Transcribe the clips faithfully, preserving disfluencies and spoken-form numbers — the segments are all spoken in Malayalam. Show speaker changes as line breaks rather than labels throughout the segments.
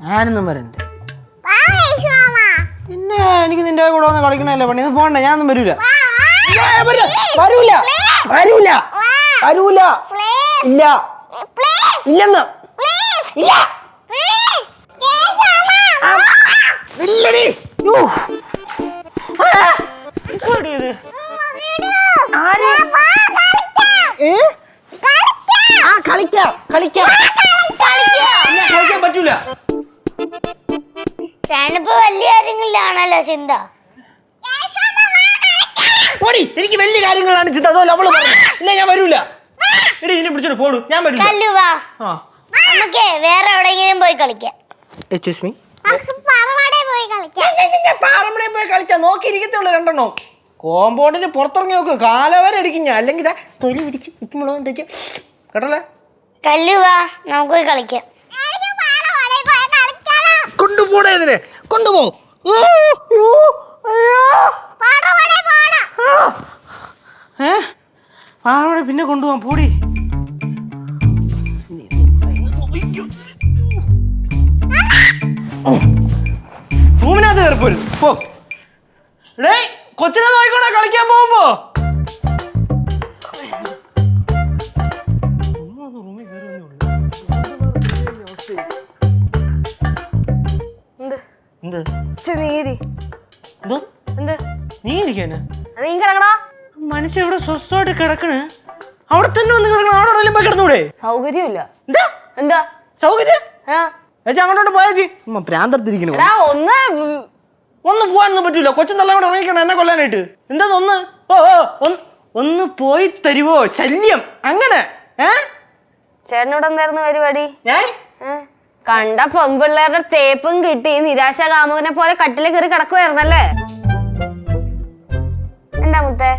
ഞാനൊന്നും വരണ്ട. പിന്നെ എനിക്ക് നിന്റെ കൂടെ വന്ന് കളിക്കണല്ലേ പണി. ഇത് പോണ്ട, ഞാനൊന്നും വരൂല. വരൂല വരൂല വരൂല ഇല്ല ഇല്ലെന്ന് ഇല്ല ഇല്ലടി. കളിക്കാം കളിക്കാം കളിക്കാൻ പറ്റൂല.
ചേട്ടനിപ്പോ വലിയ കാര്യങ്ങളിലാണല്ലോ ചിന്ത.
ഓടി, എനിക്ക് വലിയ കാര്യങ്ങളാണ് ചിന്ത. അതോ അവള് ഇല്ല, ഞാൻ വരൂല. എടി ഇതിനെ പിടിച്ചോണ്ട് പോടൂ, ഞാൻ വരൂല.
നമുക്ക് വേറെ എവിടെയെങ്കിലും പോയി കളിക്കാം.
എക്സ്ക്യൂസ് മീ,
പാറമടയിൽ
പോയി കളിക്കാം. നോക്കിയിരിക്കത്തുള്ളൂ രണ്ടെണ്ണോ. കോമ്പൗണ്ടിന് പുറത്തിറങ്ങി നോക്ക്, കാലവരെ അടിക്കും ഞാൻ. അല്ലെങ്കിൽ തൊലി പിടിച്ച് ഉപ്പുമുളകും തേക്കും കേട്ടല്ലേ.
കല്ലുവാ, നമുക്ക് പോയി കളിക്കാം.
കൊണ്ടുപോടേ ഇതിനെ, കൊണ്ടുപോ. പാറമട പിന്നെ കൊണ്ടുപോവാൻ പൂടി. റൂമിനകത്ത് കയറിപ്പോരും. പോ ഡേ, കൊച്ചിനെ നോക്കിക്കോണേ കളിക്കാൻ പോകുമ്പോ. മനുഷ്യ ഇവിടെ സ്വസ്ഥമായിട്ട് കിടക്കണ്, അവിടെ തന്നെ വന്ന് കിടക്കണം. അവിടെ എവിടെയും പോയി കിടന്നൂടെ?
സൗകര്യമില്ല.
എന്താ
എന്താ
സൗകര്യം? അങ്ങോട്ടോട്ട് പോയാച്ചി പ്രാന്തർത്തിരിക്കണ.
ഒന്ന്
ഒന്ന് പോകാനൊന്നും പറ്റൂല. കൊച്ചു നല്ല കൂടെ ഇറങ്ങിക്കണം എന്നെ കൊല്ലാനായിട്ട്. എന്താ ഒന്ന് ഓ ഓ ഒന്ന് പോയി തരുവോ? ശല്യം അങ്ങനെ. ഏഹ്
ചേട്ടനോട് എന്തായിരുന്നു പരിപാടി?
ഞാൻ
കണ്ട പെമ്പിള്ളേരുടെ തേപ്പും കിട്ടി നിരാശ കാമുകനെ പോലെ കട്ടില് കയറി കിടക്കുവായിരുന്നല്ലേ? എന്താ മുത്തേ?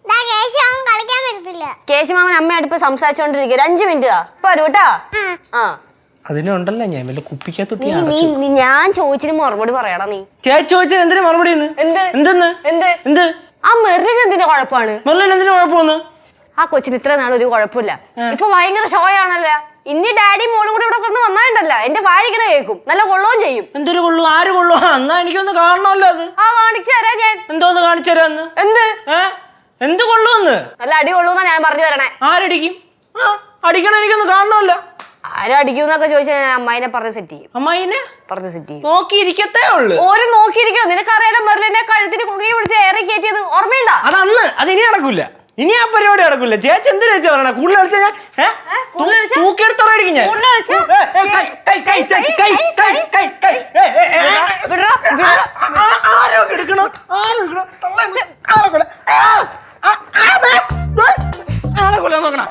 കേശുമാമൻ അമ്മയായിട്ട് ഇപ്പൊ സംസാരിച്ചോണ്ടിരിക്കുക. ഒരു അഞ്ചു മിനിറ്റ് ഇപ്പൊ വരൂ കേട്ടാ. ആ
അതിനുണ്ടല്ലോ ഞാൻ വല്ല കുപ്പിക്കകത്തൊട്ടി.
ഞാൻ ചോദിച്ചിട്ട് മറുപടി പറയടാ. നീ
ചോദിച്ചത് എന്തിനു മറുപടി?
എന്ത്
എന്തെന്ന്
എന്ത് എന്ത് ആ മെറിന് എന്തിന്റെ കുഴപ്പമാണ്?
മെറിന് എന്തിനു കുഴപ്പമൊന്ന്?
ആ കൊച്ചിന് ഇത്ര നാൾ ഒരു കുഴപ്പമില്ല. ഇപ്പൊ ഭയങ്കര ഷോ ആണല്ലോ. ഇനി ഡാഡി മോളും കൂടെ ഇവിടെ കൊണ്ട് വന്നാണ്ടല്ലോ എന്റെ ഭാര്യക്കണ കേൾക്കും. നല്ല കൊള്ളുകയും ചെയ്യും.
എന്തൊരു കൊള്ളു? ആര് കൊള്ളു? എന്നാ എനിക്കൊന്ന് കാണണമല്ലോ. അത്
ആ കാണിച്ചു തരാ ഞാൻ.
എന്തോന്ന് കാണിച്ചു തരാന്ന്? എന്ത് എന്ത് കൊള്ളൂന്ന്?
നല്ല അടി കൊള്ളൂന്നാ ഞാൻ പറഞ്ഞു തരണേ.
ആരടിക്കും? അടിക്കണം, എനിക്കൊന്ന് കാണണമല്ലോ.
ആരും അടിക്കുന്നൊക്കെ ചോദിച്ചാൽ ഞാൻ അമ്മായിനെ പറഞ്ഞ് സെറ്റ് ചെയ്യും.
അമ്മായിനെ
പറഞ്ഞ് സെറ്റ് ചെയ്യും.
നോക്കിയിരിക്കത്തേ ഉള്ളു.
ഓരോ നോക്കിയിരിക്കണം. നിനക്കറിയാലോ മെറിലിനെ കഴുത്തിന് കുകയെ പിടിച്ച് ഏറെ കയറ്റിയത് ഓർമ്മയുണ്ടോ?
അതന്ന്. അത് ഇനി നടക്കൂല. ഇനി ആ പരിപാടി നടക്കൂല. ചേച്ചി എന്ത് ചേച്ചി പറയണ? കൂടുതൽ കളിച്ചാ ഞാൻ തൂക്കിയെടുത്തറിയായിരിക്കും ഞാൻ. ആരോ എടുക്കണം, ആരോ എടുക്കണം. ആളെ കൊല്ലാൻ നോക്കണം.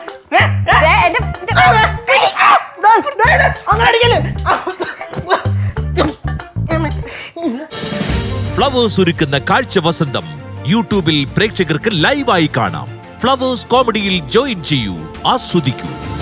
അങ്ങനെ അടിക്കല്ലേ.
ഫ്ലവേഴ്സ് ഒരുക്കുന്ന കാഴ്ച വസന്തം യൂട്യൂബിൽ പ്രേക്ഷകർക്ക് ലൈവായി കാണാം. ഫ്ലവേഴ്സ് കോമഡിയിൽ ജോയിൻ ചെയ്യൂ, ആസ്വദിക്കൂ.